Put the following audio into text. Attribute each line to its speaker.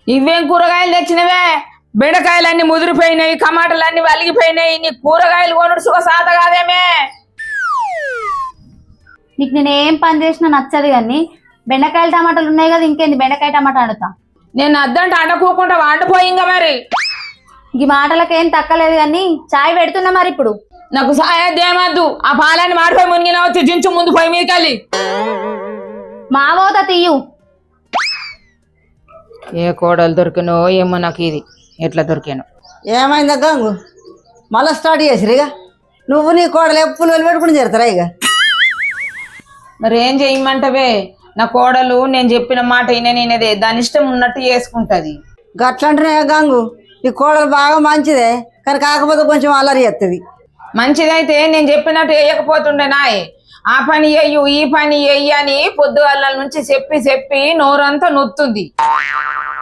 Speaker 1: ఇవేం కూరగాయలు తెచ్చినవే? బెండకాయలన్నీ ముదిరిపోయినాయి, టమాటాలన్నీ వలిగిపోయినాయి. నీ కూరగాయలు కొనుడు సుఖ సాత కాదేమే.
Speaker 2: నీకు నేను ఏం పని చేసినా నచ్చదు కానీ బెండకాయలు టమాటాలు ఉన్నాయి కదా, ఇంకేంది బెండకాయ టమాటా వండుతా.
Speaker 1: నేను అద్దంటే అండకోకుండా వండిపోయింగా మరి.
Speaker 2: ఈ మాటలకేం తక్కలేదు కానీ చాయ్ పెడుతున్నా మరి. ఇప్పుడు
Speaker 1: నాకు సాయద్దేమద్దు. ఆ పాలని మాడిపోయి మునిగిన వచ్చి జించు ముందు పోయి మీదకెళ్ళి.
Speaker 2: మావోత తీయు.
Speaker 1: ఏ కోడలు దొరికినో ఏమో నాకు ఇది ఎట్లా దొరికాను.
Speaker 3: ఏమైందా గంగు? మళ్ళీ స్టార్ట్ చేసిరు ఇక. నువ్వు నీ కోడలు ఎప్పుడు పెట్టుకుని చేరుతారా ఇక?
Speaker 1: మరి ఏం చెయ్యమంటవే? నా కోడలు నేను చెప్పిన మాట నేనేదే దాని ఇష్టం ఉన్నట్టు చేసుకుంటది.
Speaker 3: గట్లంటేనే గంగు, నీ కోడలు బాగా మంచిదే, కానీ కాకపోతే కొంచెం అల్లరి చేస్తుంది.
Speaker 1: మంచిదైతే నేను చెప్పినట్టు వేయకపోతుండే నాయ్. ఆ పని చెయ్యు ఈ పని చెయ్యి అని పొద్దుగల్ల నుంచి చెప్పి చెప్పి నోరంతా నొత్తుంది.